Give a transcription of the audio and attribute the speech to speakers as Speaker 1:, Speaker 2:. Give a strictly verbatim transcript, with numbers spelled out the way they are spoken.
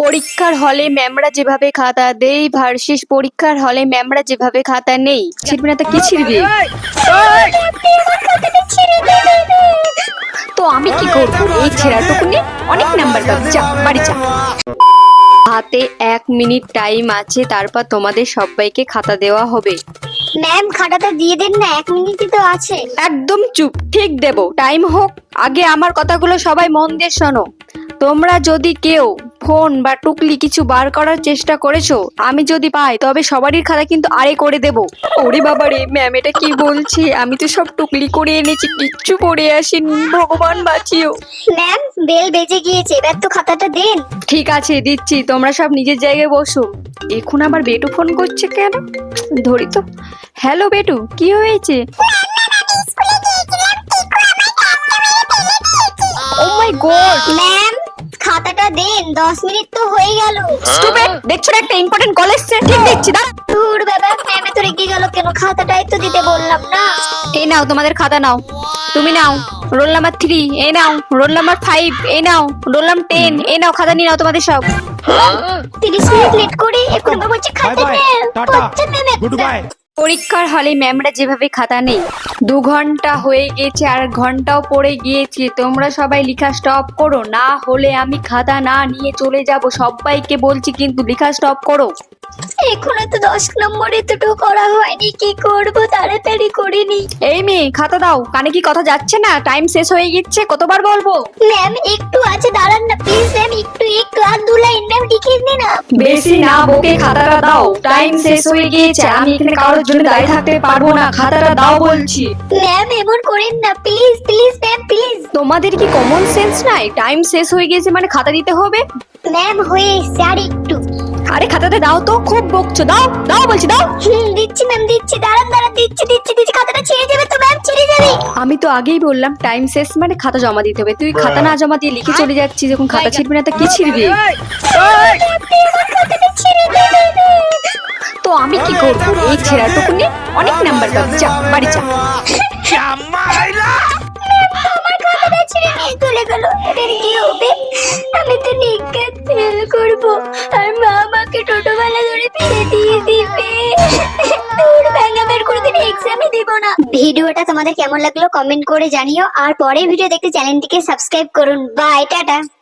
Speaker 1: পরীক্ষার হলে ম্যামরা যেভাবে খাতা দেই ভার্সেস পরীক্ষার হলে ম্যামরা যেভাবে খাতা নেই। ছিড়বি না তো কি ছিড়বি? তো আমি কি করবো? এই ছেঁড়াটুকু নিয়ে অনেক নাম্বার পাবি, যা বাড়ি যা। হাতে এক মিনিট টাইম আছে, তারপর তোমাদের সবাইকে খাতা দেওয়া হবে।
Speaker 2: ম্যাম খাতাটা দিয়ে দেন না, এক মিনিটই তো আছে।
Speaker 1: একদম চুপ, ঠিক দেব, টাইম হোক। আগে আমার কথাগুলো সবাই মন দিয়ে শোনো। তোমরা যদি কেউ ফোন বা টুকলি কিছু বার করার চেষ্টা করেছো, আমি যদি পাই তবে সবারই খাতা কিন্তু আরে করে দেব। ওরে বাবা রে, ম্যাম এটা কি বলছে? আমি তো সব টুকলি করে এনেছি, কিচ্ছু পড়ে আসেনি, ভগবান বাঁচিও।
Speaker 2: ম্যাম বেল বেজে গিয়েছে, এবার তো খাতাটা দেন।
Speaker 1: ঠিক আছে দিচ্ছি, তোমরা সব নিজের জায়গায় বসো। এখন আবার বেটু ফোন করছে কেন? ধরি তো। হ্যালো বেটু, কি হয়েছে? ও মাই গড
Speaker 2: ম্যাম খাতাটা দেন, দশ মিনিট তো হয়ে গেল।
Speaker 1: স্টুপিড, দেখছো না একটা ইম্পর্টেন্ট কল এসেছে? ঠিক দিচ্ছি, দাঁড়া।
Speaker 2: দূর বাবা, ম্যাম তো রেগে গেল কেন? খাতাটাই তো দিতে বললাম না।
Speaker 1: এই নাও তোমাদের খাতা নাও। তুমি নাও রোল নাম্বার থ্রি, এই নাও রোল নাম্বার ফাইভ, এই নাও রোল নাম্বার টেন, এই নাও খাতা নিয়ে নাও তোমাদের সব।
Speaker 2: তিরিশ মিনিট লেট করে এখন আবার বলছে খাতা নেই। হচ্ছে ম্যাম একটা।
Speaker 1: পরীক্ষার হলে ম্যামরা যেভাবে খাতা নেই। দু ঘন্টা হয়ে গেছে আর ঘন্টাও পড়ে গিয়েছে, তোমরা সবাই লেখা স্টপ করো, না হলে আমি খাতা না নিয়ে চলে যাব। সবাইকে বলছি কিন্তু লেখা স্টপ করো।
Speaker 2: এখনো তো দশ নম্বরে দুটো করা হয়নি, কি করব? তাড়াতাড়ি করে নি।
Speaker 1: এই মেয়ে খাতা দাও, কানে কি কথা যাচ্ছে না? টাইম শেষ হয়ে গেছে, কতবার বলবো?
Speaker 2: ম্যাম একটু আছে, দাঁড়ান না প্লিজ। ম্যাম একটু একটু আর দু লাইন ম্যাম লিখে দিন না।
Speaker 1: বেশি না বকে খাতাটা দাও, টাইম শেষ হয়ে গিয়েছে, আমি এখানে কারোর জন্য দাঁড়িয়ে থাকতে পারবো না, খাতাটা দাও বলছি।
Speaker 2: ম্যাম এমন করেন না প্লিজ প্লিজ ম্যাম প্লিজ।
Speaker 1: তোমাদের কি কমন সেন্স নাই? টাইম শেষ হয়ে গেছে মানে খাতা দিতে হবে।
Speaker 2: ম্যাম হয়ে এসছে, আর একটু।
Speaker 1: আরে খাতাতে দাও তো, খুব বকছো, দাও দাও বলছি দাও।
Speaker 2: হুম দিচ্ছি ম্যাম দিচ্ছি, দাঁড়ান দাঁড়ান, দিচ্ছি দিচ্ছি দিচ্ছি। খাতাটা ছেড়ে যাবে তো ম্যাম, ছেড়ে যাবে।
Speaker 1: আমি তো আগেই বললাম টাইম শেষ মানে খাতা জমা দিতে হবে। তুই খাতা না জমা দিয়ে লিখে চলে যাচ্ছিস, যখন খাতা ছিড়বি না তো কি ছিড়বি? তো আমি কি করবো? এই ছেঁড়াটুকু নিয়ে অনেক নাম্বার পাবি, যা বাড়ি যা।
Speaker 2: আমার খাতাটা ছেড়ে নিয়ে চলে গেল, এবার কি হবে? আমি তো নিজ্ঞাত ফেল করব, আর মা আমাকে টোটোবেলা ধরে ফিরে দিয়ে দিবে। দূর ব্যাঙ্গা বের করে দিন, এক্সামই দিব না। ভিডিওটা তোমাদের কেমন লাগলো কমেন্ট করে জানিও, আর পরের ভিডিও দেখতে চ্যানেলটিকে সাবস্ক্রাইব করুন। Bye, tata.